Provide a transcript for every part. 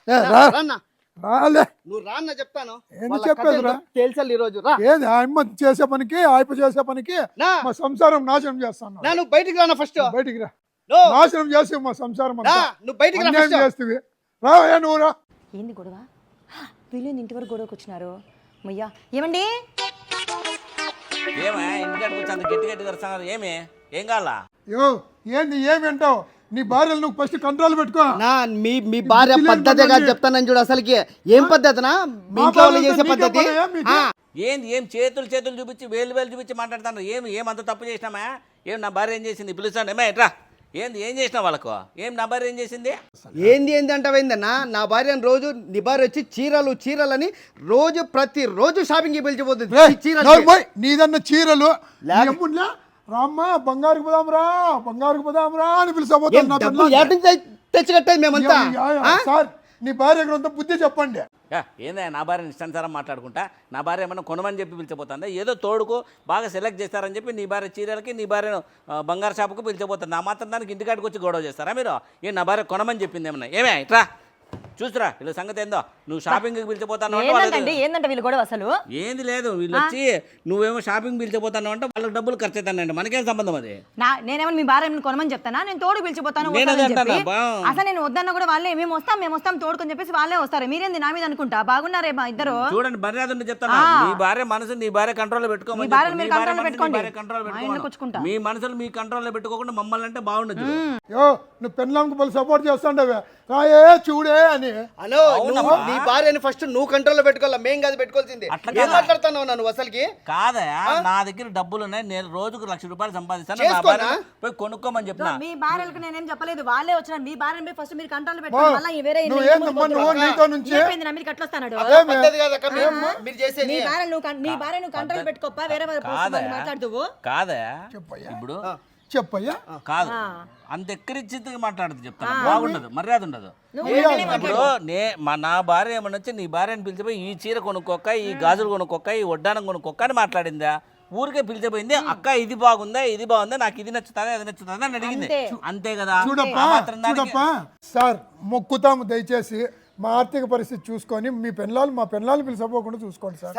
రాలే నువ్వు రా అన్న చెప్తాను. ఏంది చెప్పేదిరా? తేల్చాలి ఈ రోజు రా. ఏది ఆయమ్మ చేసే పనికి ఆయప చేసే పనికి నా మా సంసారం నాశనం చేస్తాను. నువ్వు బయటికి రానా ఫస్ట్. బయటికి రా. నో. నాశనం చేసి మా సంసారం అంతా. నువ్వు బయటికి రా అన్యాయం ఫస్ట్. చేస్తేవి రావయ్యా నువ్వు రా. ఏంది గొడవ? వీళ్ళు ఇంటి వరకు గొడవకు వచ్చినారు. మయ్యా ఏమండి? ఏమా ఇంటికాడికి వచ్చి అంత గట్టి గట్టి కరుస్తున్నారు? ఏం కావాలా? యో ఏంది ఏమి అంటావు? నీ భార్యలు నువ్వు ఫస్ట్ కంట్రోల్ పెట్టుకో. నా మీ భార్య పద్ధతిగా చెప్తానని చూడు. అసలుకి ఏం పద్ధతినా మీ ఇంట్లో వాళ్ళు చేసే పద్ధతి? ఏం చేతులు చూపించి వేలు చూపించి మాట్లాడుతున్నారు? ఏం అంత తప్పు చేసినామా? నా భార్య ఏం చేసింది? పిలుస్తాను ఏమా ఎట్రా. ఏం చేసినా వాళ్ళకు? నా భార్య ఏం చేసింది? ఏంది అంటావేందన్నా? నా భార్యను రోజు నీ భార్య వచ్చి చీరలని రోజు ప్రతిరోజు షాపింగ్కి పిలిచిపోతుంది. నీదన్న చీరలు రామ్మా బంగారుకు పోదాంరా అని పిలిచబోతున్నా. తెచ్చి కట్టేది మేమంతా. సార్ నీ భార్య కొంత బుద్ధి చెప్పండి. ఏందా నా భార్యని ఇష్టానుసారం మాట్లాడుకుంటా? నా భార్య ఏమన్నా కొనమని చెప్పి పిలిచిపోతుందా? ఏదో తోడుకు బాగా సెలెక్ట్ చేస్తారని చెప్పి నీ భార్య చీరలకి నీ భార్యను బంగారు షాపుకు పిలిచిపోతుంది. నా మాత్రం దానికి ఇంటికాడికి వచ్చి గొడవ చేస్తారా మీరు? నా భార్య కొనమని చెప్పింది ఏమన్నా? ఇట్రా చూసురా వీళ్ళ సంగతి ఏందో. నువ్వు షాపింగ్కి పిలిచిపోతాను ఏందంటే వీళ్ళు గొడవ అసలు? ఏంది లేదు. వీళ్ళు వచ్చి నువ్వేమో షాపింగ్ పిలిచిపోతాను అంటే వాళ్ళకి డబ్బులు ఖర్చు అవుతానండి. మనకేం సంబంధం అది? నేనేమో మీ భార్య కొనమని చెప్తానా? నేను తోడు పిలిచిపోతాను. అసలు నేను వద్దన్నా కూడా వాళ్ళే మేము వస్తాం తోడుకొని చెప్పేసి వాళ్ళే వస్తారు. మీరేంది నా మీద అనుకుంటా? బాగున్నారే మా ఇద్దరు. చూడండి మర్యాద ఉండి చెప్తాను. నీ భార్య మనసు నీ భార్య కంట్రోల్ పెట్టుకోమని. మీ మనసులు మీ కంట్రోల్లో పెట్టుకోకుండా మమ్మల్ని అంటే బాగుండదు. నువ్వు పెళ్ళాంకు సపోర్ట్ చేస్తాండవే రాయే చూడే అని. హలో నీ భార్యని ఫస్ట్ నువ్వు కంట్రోల్లో పెట్టుకోవాలా, మేం కాదు పెట్టుకోవాల్సింది. ఏం మాట్లాడుతున్నావు నువ్వు అసలుకి? కాదా నా దగ్గర డబ్బులు ఉన్నాయి, నేను రోజుకు 1,00,000 రూపాయలు సంపాదిస్తాను. నా భార్య పోయి కొనుక్కోమని చెప్తున్నా. మీ భార్యలకు నేనేం చెప్పలేదు, వాళ్ళే వచ్చినారు. మీ భార్యని ఫస్ట్ మీరు కంట్రోల్లో పెట్టుకోవాలి. నీ భార్యను కంట్రోల్ పెట్టుకోప్ప. వేరే మాట్లాడుతూ కాదా ఇప్పుడు చెప్పయ్యా. కాదు అంత ఎక్కరిచ్చిగా మాట్లాడుతూ చెప్తాను. బాగుండదు, మర్యాద ఉండదు. ఇప్పుడు నా భార్య ఏమన్నా వచ్చి నీ భార్యని పిలిచిపోయి ఈ చీర కొనుక్కోక్క, ఈ గాజులు కొనుక్కోక్క, ఈ వడ్డానం కొనుక్కోక్క అని మాట్లాడిందా? ఊరికే పిలిచిపోయింది. అక్క ఇది బాగుందా నాకు ఇది నచ్చుతుందా అది నచ్చుతుందా అని అడిగింది. అంతే కదా. చూడప్పా సార్ మొక్కుతాము దయచేసి మా ఆర్థిక పరిస్థితి చూసుకొని మీ పెళ్ళాలు మా పెళ్ళాలు పిలిచిపోకుండా చూసుకోండి సార్.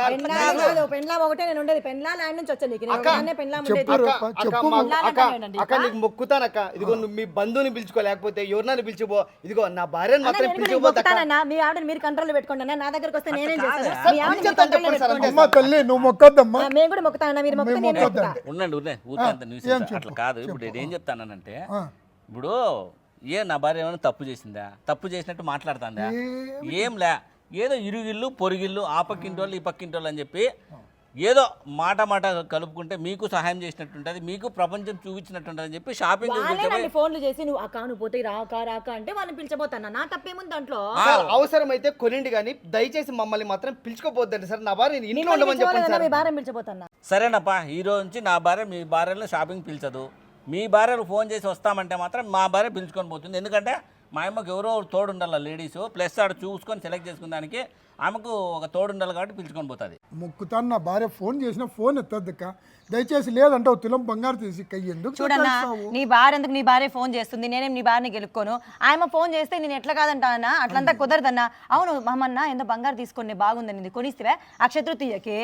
నీకు మొక్కుతానక్క. ఇదిగో నువ్వు మీ బంధువుని పిలుచుకో, లేకపోతే ఎవరినైనా పిలిచిపో. ఇదిగో నా భార్యను మాత్రం పిలిచిపోతానన్నా. మీ ఆవిడని మీరు కంట్రోల్ పెట్టుకోండి. నా దగ్గరకు వస్తే నేనేం చేస్తాను? అమ్మా తల్లి నువ్వు మొక్కద్దమ్మా. మేము కూడా మొక్కుతానన్నా. మీరు ఉండండి అట్లా కాదు. ఇప్పుడు ఏం చెప్తానంటే, ఇప్పుడు నా భార్య ఏమైనా తప్పు చేసిందా? తప్పు చేసినట్టు మాట్లాడుతుందా? ఏంలే, ఏదో ఇరుగిళ్ళు పొరుగిళ్ళు ఆ పక్కింటోళ్ళు ఈ పక్కింటోళ్ళు అని చెప్పి ఏదో మాట కలుపుకుంటే మీకు సహాయం చేసినట్టు ఉంటుంది, మీకు ప్రపంచం చూపించినట్టు అని చెప్పి షాపింగ్ ఫోన్లు చేసి నువ్వు అక్క పోతే రాక అంటే వాళ్ళని పిలిచబోతాను. నా తప్పేముంది దాంట్లో? అవసరమైతే కొనిండి కానీ దయచేసి మమ్మల్ని మాత్రం పిలుచుకోపోద్దండి సార్. నా భార్య ఇంట్లో ఉండమని చెప్పండి. మీ భార్య పిలిచబోతాను. సరేనప్పా, ఈ రోజు నుంచి నా భార్య మీ భార్యను షాపింగ్ పిలిచదు. మీ భార్యకు ఫోన్ చేసి వస్తామంటే మాత్రం మా భార్య పిలుచుకొని పోతుంది. ఎందుకంటే మా అమ్మకి ఎవరో తోడు ఉండాలి లేడీస్, ప్లస్ ఆడ చూసుకొని సెలెక్ట్ చేసుకునే దానికి ఆమెకు ఒక తోడు ఉండాలి కాబట్టి పిలుచుకొని పోతుంది. మొక్కుతాను నా భార్య ఫోన్ చేసిన ఫోన్ ఎత్తద్దక్క దయచేసి. లేదంటే తులం బంగారు తీసి ఎందుకు చూడన్నా, నీ భార్య ఎందుకు నీ భార్య ఫోన్ చేస్తుంది? నేనేం నీ భార్యని గెలుక్కోను. ఆయన ఫోన్ చేస్తే నేను ఎట్లా కాదంటానా? అట్లంతా కుదరదన్నా. అవును మామన్న ఎంత బంగారు తీసుకొని బాగుందని కొనిస్తే అక్షతృతీయకి.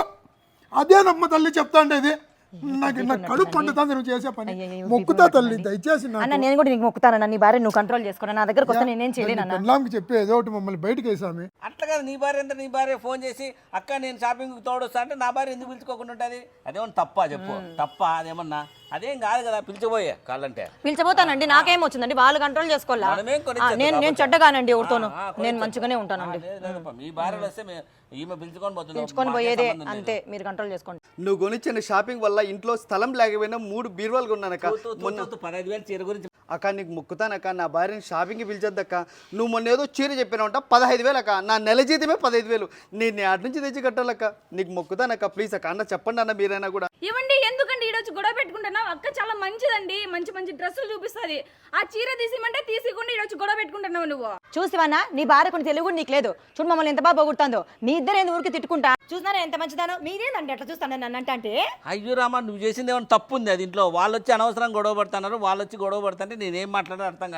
అదేనమ్మ తల్లి చెప్తాండే ఇది. నాకు కడుపు పండుతుంది నువ్వు చేసే పని. మొక్కుతా తల్లి దయచేసి. అన్న నేను కూడా నీకు మొక్కుతానన్నా. నీ భార్య నువ్వు కంట్రోల్ చేసుకో. నా దగ్గరకు వస్తే నేనేం చేయలేను. పెళ్ళాంకి చెప్పి ఏదో ఒకటి మమ్మల్ని బయటకు వేసామి. అట్లా కదా. నీ భార్య అంటే నీ భార్య ఫోన్ చేసి అక్క నేను షాపింగ్కి తోడొస్తా అంటే నా భార్య ఎందుకు పిలుచుకోకుండా ఉంటుంది? అదేమన్నా తప్ప చెప్పు? తప్ప అదేమన్నా? అదేం కాదు కదా. పిలిచిపోయే కాళ్ళంటే పిలిచిపోతానండి. నాకేం వచ్చిందండి? వాళ్ళు కంట్రోల్ చేసుకోవాలి. నేను చెడ్డగానండి ఎవరితోనూ. నేను మంచిగానే ఉంటానండి. మీ భార్యలు వస్తే ఈమె పిలుచుకొని పోయేదే అంతే. మీరు కంట్రోల్ చేసుకోండి. నువ్వు కొనిచ్చిన షాపింగ్ వల్ల ఇంట్లో స్థలం లేకపోయినా 3 బీరువాలు కొన్నానక్క. 15,000 చీర గురించి అక్క నీకు మొక్కుతానక్క, నా భార్యని షాపింగ్కి పిలిచొద్దక్క. నువ్వు మొన్న ఏదో చీర చెప్పినావంట 15,000 అక్క. నా నెల జీతమే 15,000. నేను అటు నుంచి తెచ్చి కట్టాలక్క. నీకు మొక్కుతానక్క ప్లీజ్ అక్క. అన్న చెప్పండి అన్న మీరైనా కూడా. ఏమండి ఎందుకండి ఈరోజు గొడవ పెట్టుకుంటున్నావు? అక్క చాలా మంచిదండి, మంచి డ్రెస్సులు చూపిస్తుంది. ఆ చీర తీసిమంటే తీసికుండా ఈరోజు గొడవ పెట్టుకుంటున్నావు నువ్వు. చూసివన్నా నీ భార్య కొన్ని తెలుగు నీకు లేదు. చూడు మమ్మల్ని ఎంత బాగా పోగొడుతుందో. మీ ఇద్దరు ఏంది ఊరికి తిట్టుకుంటా? చూసినారా ఎంత మంచిదానో? మీరేందండి అట్లా చూస్తాను నన్ను అంటే? అయ్యో రామా, నువ్వు చేసింది ఏమైనా తప్పు ఉంది? అది ఇంట్లో వాళ్ళు వచ్చి అనవసరం గొడవ పడుతున్నారు. వాళ్ళు వచ్చి గొడవ పడుతుంటే నేనేం మాట్లాడాలో అర్థం కాలే.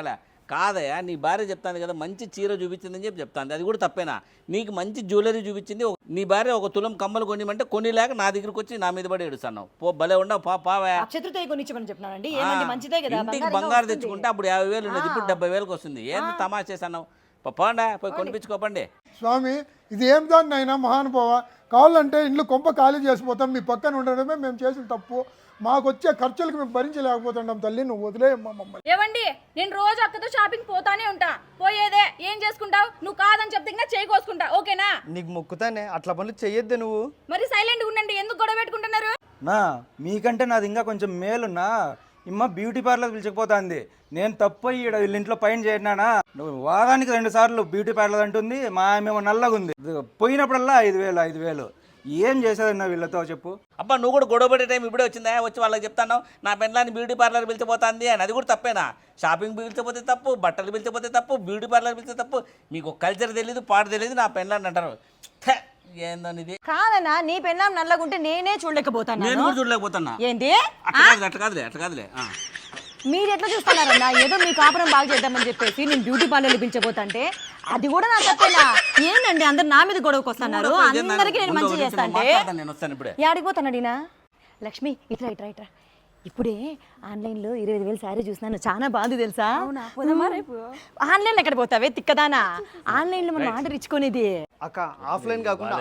కాదయా నీ భార్య చెప్తాను కదా మంచి చీర చూపించిందని చెప్పి చెప్తాను, అది కూడా తప్పేనా? నీకు మంచి జ్యువెలరీ చూపించింది, నీ భార్య ఒక తులం కమ్మలు కొనిమంటే కొనిలేక నా దగ్గరికి వచ్చి నా మీద పడి ఏడుస్తున్నావు. పో భలే ఉండవు పావా. అక్షతృతీయ కొనిచ్చమని చెప్పినానండి, ఏమండి మంచిదే కదా, ఇంటికి బంగారు తెచ్చుకుంటే అప్పుడు 50,000 ఉన్నది, ఇప్పుడు 70,000కి వస్తుంది. ఏంది తమాషా చేస్తున్నావు? పోండా పోయి కొనిపించుకోపండి. స్వామి ఇది ఏం దాన్ని అయినా మహానుభావ, కావాలంటే ఇంట్లో కొంప ఖాళీ చేసిపోతాం, మీ పక్కన ఉండడమే మేము చేసిన తప్పు, మాకు వచ్చే ఖర్చులకు మేము భరించలేకపోతున్నాం తల్లి, నువ్వు వదిలేయమ్మా మమ్మల్ని. ఏవండి నేను రోజు అక్కతో షాపింగ్ పోతానే ఉంటా, పోయేదే ఏం చేసుకుంటావు? నువ్వు కాదని చెప్తే ఇంకా చేయి కోసుకుంటా, ఓకేనా? నీకు మొక్కుతానే, అట్లా పనులు చెయ్యొద్దే నువ్వు. మరి సైలెంట్గా ఉండండి, ఎందుకు గొడవ పెట్టుకుంటున్నారు? నా మీకంటే నాది ఇంకా కొంచెం మేలున్నా. ఇమ్మ బ్యూటీ పార్లర్ పిలిచకపోతుంది, నేను తప్పు అయ్యి ఈడ వీళ్ళ ఇంట్లో పైన చేరినానా. నువ్వు వారానికి 2 సార్లు బ్యూటీ పార్లర్ అంటుంది, మా మేము నల్లగా ఉంది, పోయినప్పుడల్లా 5,000 ఏం చేసేదన్నా వీళ్ళతో చెప్పు. అబ్బా నువ్వు కూడా గొడవ పడే టైం ఇప్పుడే వచ్చిందా? వచ్చి వాళ్ళకి చెప్తాను నా పెళ్ళాన్ని బ్యూటీ పార్లర్ పిలిచిపోతుంది అని, అది కూడా తప్పేనా? షాపింగ్ పిలిచిపోతే తప్పు, బట్టలు పిలిచిపోతే తప్పు, బ్యూటీ పార్లర్ పిలిచే తప్పు. మీకు కల్చర్ తెలియదు, పాట తెలియదు, నా పెళ్ళాన్ని అంటారు. ఏందని ఇది? కాదన్నా, నీ పెళ్ళాం నల్లగుంటే నేనే చూడలేకపోతాను. నేను కూడా చూడలేకపోతున్నా. ఏంటి అట్లా కాదులే. మీరు ఎట్లా చూస్తున్నారన్నా? ఏదో మీ కాపురం బాగా చేద్దామని చెప్పేసి నేను బ్యూటీ పార్లర్లు పిలిచబోతుంటే అది కూడా నా తప్పేనా? ఏంటండి అందరు నా మీద గొడవకు వస్తున్నారు, అందరికీ నేను మంచి చేస్తా అంటే నేను వస్తాను ఇప్పుడే. యాడికి పోతానడినా? లక్ష్మి ఇట్రా. ఇప్పుడే ఆన్లైన్లో 25,000 శారీ చూసినాను, చాలా బాగుంది తెలుసా? ఆన్లైన్లో ఎక్కడ పోతావే తిక్కదానా? ఆన్లైన్లో మనం ఆర్డర్ ఇచ్చుకునేది. అక్క ఆఫ్లైన్ కాకుండా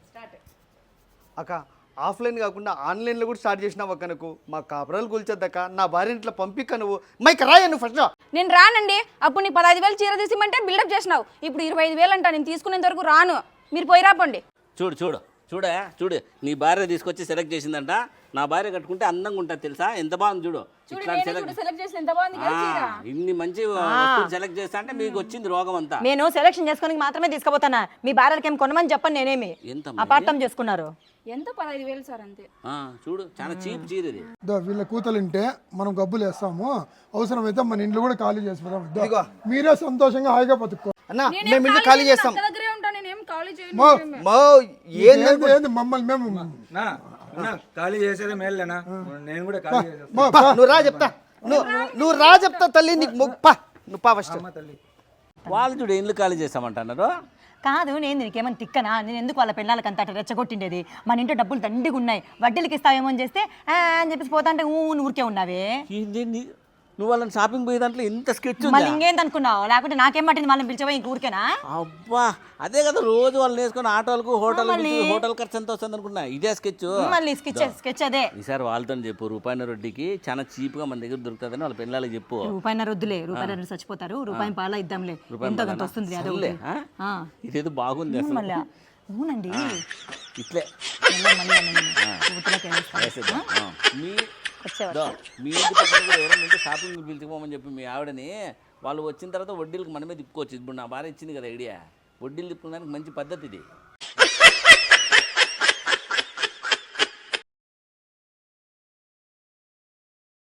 ఆన్లైన్లో కూడా స్టార్ట్ చేసినావు అక్క. నాకు మా కాపురాలు కూల్చొద్దక్క, నా భార్య ఇంట్లో పంపిక్క, నువ్వు మైక్ రాయ నువ్వు ఫస్ట్. నేను రానండి, అప్పుడు నీ 15,000 చీర తీసిమంటే బిల్డప్ చేసినావు, ఇప్పుడు 25,000 అంట. నేను తీసుకునేంత వరకు రాను, మీరు పోయి రాపండి. చూడు నీ భార్య తీసుకొచ్చి సెలెక్ట్ చేసిందంట. నా భార్య కట్టుకుంటే అందంగా ఉంటుంది తెలుసా? ఎంత బాగుంది చూడు. సెలెక్ట్ చేసి ఎంత బాగుంది కదా చీర. ఇన్ని మంచి వస్తువులు సెలెక్ట్ చేస్తా అంటే మీకు వచ్చింది రోగం అంతా. నేను సెలెక్షన్ చేసుకోనికి మాత్రమే తీసుకుపోతానా, మీ భార్యలకి ఏం కొనమని చెప్పండి. నేనేమి అపార్థం చేసుకున్నారు. ఎంత 15,000 సార్ అంతే. చూడు చాలా చీప్ చీర ఇది. వీళ్ళ కూతలుంటే మనం గబ్బులు వేస్తాము, అవసరమైతే మన ఇంట్లో కూడా ఖాళీ చేసిపోతాం. మీరే సంతోషంగా హాయిగా బతుక్కో అన్నా. మేము ఇల్లు ఖాళీ చేస్తాం. దగ్గరే ఉంటా, నేనేం ఖాళీ చేయను. ఏంది మమ్మల్ని మేము ఖాళీ చేసేదే మేలేనా, నేను కూడా ఖాళీ చేసేస్తా. నువ్వు రా చెప్తా తల్లి, నీకు నువ్వు పా ఫస్ట్. వాళ్ళు చూడు ఇల్లు ఖాళీ చేస్తామంటున్నారు. కాదు, నేను నీకేమన్నా తిక్కనా? నేను ఎందుకు వాళ్ళ పిల్లలకి అంత రెచ్చగొట్టిండేది? మన ఇంట్లో డబ్బులు దండిగా ఉన్నాయి, వడ్డీలకి ఇస్తావేమో అని చేస్తే అని చెప్పేసి పోతా అంటే ఊరికే ఉన్నావే. నువ్వు వాళ్ళని షాపింగ్ పోయే దాంట్లో ఎంత స్కెచ్ మళ్ళీ ఇంకేంది అనుకున్నావు? లేకుంటే నాకేం పట్టింది వాళ్ళని పిలిచిపోయి ఇంక ఊరికేనా? అబ్బా అదే కదా రోజు వాళ్ళని వేసుకొని ఆటోలకు హోటల్ ఖర్చు ఎంత వస్తుంది అనుకున్నా. ఇదే స్కెచ్. మళ్ళీ స్కెచ్ అదే. ఈసారి వాళ్ళతో చెప్పు, రూపాయి రొడ్డికి చాలా చీప్ గా మన దగ్గర దొరుకుతుందని వాళ్ళ పిల్లలకి చెప్పు. రూపాయి వద్దులే, రూపాయి చచ్చిపోతారు, రూపాయి పాల ఇద్దాంలే, ఎంతో కొంత వస్తుంది. ఇదేదో బాగుంది అసలు. మళ్ళీ అవునండి, ఇట్లే మీ ఇంటి పక్కన కూడా ఎవరైనా షాపింగ్ పిలిచిపోమని చెప్పి మీ ఆవిడని, వాళ్ళు వచ్చిన తర్వాత వడ్డీలకు మనమే తిప్పుకోవచ్చు. ఇప్పుడు నా భార్య ఇచ్చింది కదా ఐడియా, వడ్డీలు తిప్పుకోవడానికి మంచి పద్ధతి ఇది.